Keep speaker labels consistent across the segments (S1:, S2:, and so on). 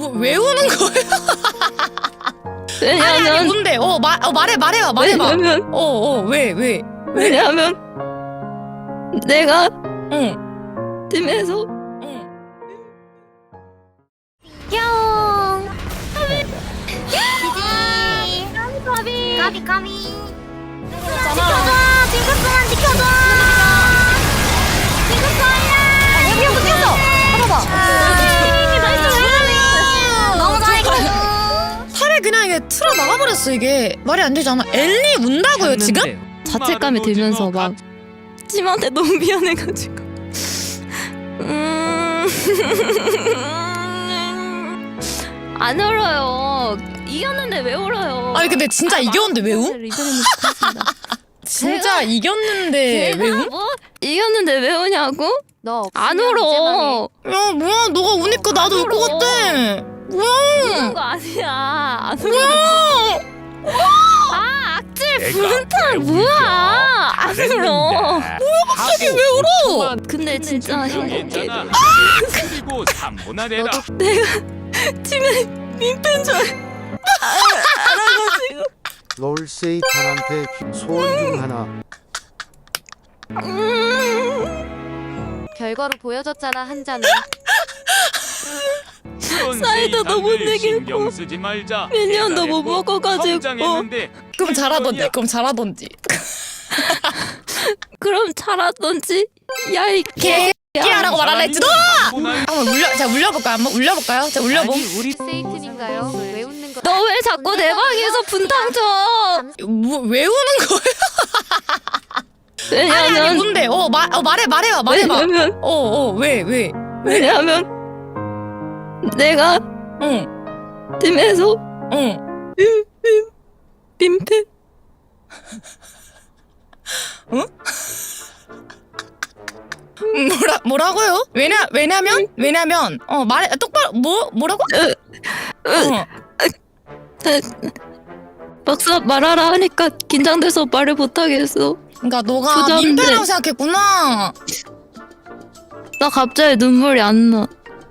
S1: 왜 우는 거예요?
S2: 왜냐면
S1: 아니 뭔데? 말해봐.
S2: 왜냐면
S1: 왜?
S2: 왜냐면 내가
S1: 응.
S2: 팀에서
S3: 뿅. 까비. 지켜줘. 징크스만 지켜줘. 징크스 아니야. 여기 붙였어. 봐봐. 너무 잘했어.
S1: 팔에 그냥 이게 틀어 나가버렸어 이게. 말이 안 되잖아. 엘리 운다고요 지금?
S2: 자책감이 들면서 막 팀한테 너무 미안해가지고 안 울어요. 이겼는데 왜 울어요?
S1: 아니 근데 진짜 이겼는데 왜 우? 진짜 이겼는데 왜 우?
S2: 뭐? 이겼는데 왜 우냐고?
S3: 너
S2: 안 울어.
S1: 야 뭐야 너가 우니까 나도 울 것 같아. 뭐야?
S2: 우는 거 아니야. 안 울어.
S1: 뭐야?
S2: 아 악질 분탈 뭐야? 안 울어.
S1: 갑자기 왜 울어?
S2: 근데 진짜 행복해.
S4: 그리고 3분할 해라.
S2: 내가 팀에 민폐인 줄 알아가지고.
S5: 롤세이탄한테 소원 중 하나.
S3: 결과로 보여줬잖아 한 잔은.
S2: 사이다도 못 내겠고
S4: 신경 쓰지 말자.
S2: 몇 년도 못 먹어가지고.
S4: 성장했는데
S1: 그럼 잘하던지.
S2: 그럼 잘하던지. 야이 개.
S1: 끼야라고 말하라 했지 너!
S4: 분할
S1: 한번 울려볼까요? 자 울려봄.
S3: 세이튼인가요? 왜 웃는 거?
S2: 너 왜 자꾸 내 방에서 분탕 쳐?
S1: 왜 우는 거예요? 아니
S2: 왜냐면
S1: 뭔데? 말해봐.
S2: 왜냐면
S1: 왜?
S2: 왜냐면 내가
S1: 응.
S2: 팀에서 민폐.
S1: 뭐라고요? 왜냐면 말해 똑바로 뭐라고?
S2: 막상 말하라 하니까 긴장돼서 말을 못하겠어.
S1: 그러니까 너가
S2: 부자인데.
S1: 민폐라고 생각했구나.
S2: 나 갑자기 눈물이 안 나.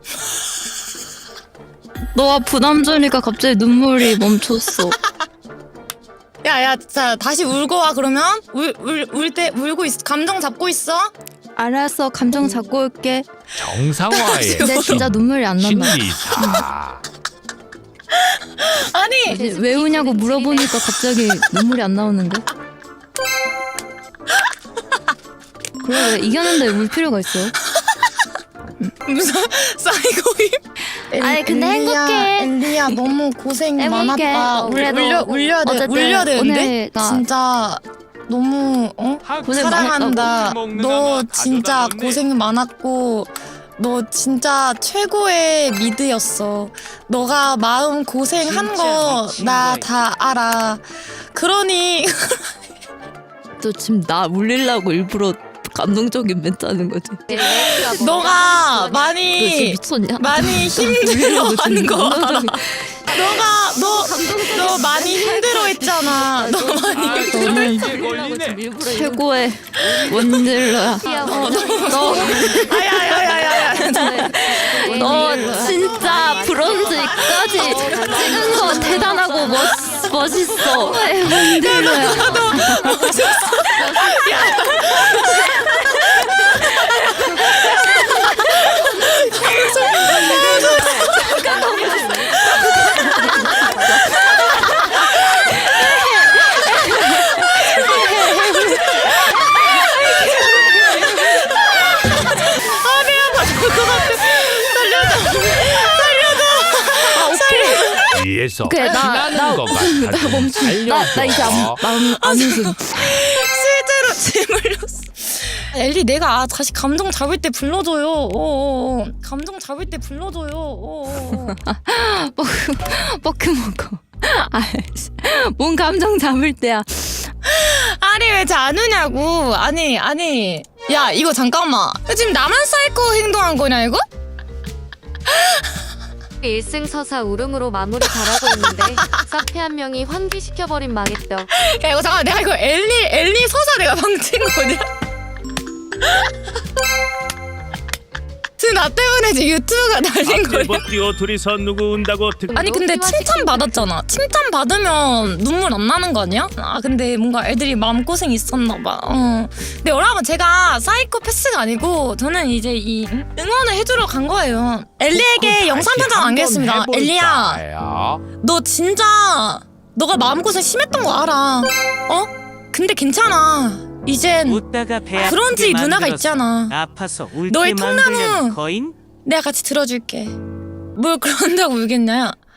S2: 너가 부담 주니까 갑자기 눈물이 멈췄어.
S1: 야야, 자 다시 울고 와 그러면 울 때 울고 있어. 감정 잡고 있어.
S2: 알았어, 감정 잡고 올게.
S4: 정상화의
S2: 근데 진짜 눈물이 안 난다.
S4: 신기사.
S1: 아니
S2: 이제 왜 우냐고 물어보니까 갑자기 눈물이 안 나오는데? 그래 왜 이겼는데 울 필요가 있어?
S1: 무슨 사이코임?
S2: 아니, 근데 행복해.
S1: 엘리야 너무 고생
S2: 행복해.
S1: 많았다.
S2: 그래도
S1: 울려야 돼.
S2: 어쨌든
S1: 울려야 되는데
S2: 오늘 나
S1: 진짜 너무
S2: 고생
S1: 사랑한다.
S4: 많았다고.
S1: 너 진짜
S4: 가져다 놨네.
S1: 고생 많았고 너 진짜 최고의 미드였어. 너가 마음 고생한
S4: 진짜
S1: 거
S4: 미친
S1: 나
S4: 거야.
S1: 다 알아. 그러니
S2: 또 지금 나 울리려고 일부러 감동적인 멘트 하는 거지.
S1: 너가
S2: 너 지금
S1: 많이
S2: 미쳤냐?
S1: 힘들어하는 거 알아.
S2: 감동적인.
S1: 너 많이 힘들어했잖아. 너 많이
S2: 너는
S4: 이게 걸리네.
S2: 최고의 원딜러야. 너
S1: 아야야야야.
S2: 너 진짜 브론즈까지 찍은 거 대단하고 멋있어. 원딜러야.
S4: 위에서
S2: 그래,
S4: 피나는 것 같아.
S2: 나 이제 안 웃음.
S1: 실제로 재물렸어. 엘리 내가 다시 감정 잡을 때 불러줘요. 감정 잡을 때 불러줘요.
S2: 뻐크 먹어. 아이씨, 뭔 감정 잡을 때야.
S1: 아니 왜 잘 안 우냐고. 아니 야 이거 잠깐만. 지금 나만 사이코 행동한 거냐 이거?
S3: 1승 서사 울음으로 마무리 잘하고 있는데 사페 한 명이 환기시켜버린 망했죠.
S1: 야 이거 잠깐만 내가 이거 엘리 서사 내가 방친 거냐? 지금 나 때문에 지금 유튜브가 날린 거야.
S6: 뭐 뛰어 둘이서 누구 운다고 듣.
S1: 아니 근데 칭찬 받았잖아. 칭찬 받으면 눈물 안 나는 거 아니야? 아 근데 뭔가 애들이 마음고생 있었나 봐. 근데 여러분 제가 사이코패스가 아니고 저는 이제 이 응원을 해주러 간 거예요. 엘리에게 영상 편지 남기겠습니다. 엘리야, 너 진짜 너가 마음고생 심했던 거 알아. 근데 괜찮아. 이젠
S7: 웃다가 배
S1: 그런 집 누나가 있잖아.
S7: 아파서 울게
S1: 너의
S7: 만들려는
S1: 통나무
S7: 거인?
S1: 내가 같이 들어줄게. 뭘 그런다고 울겠냐?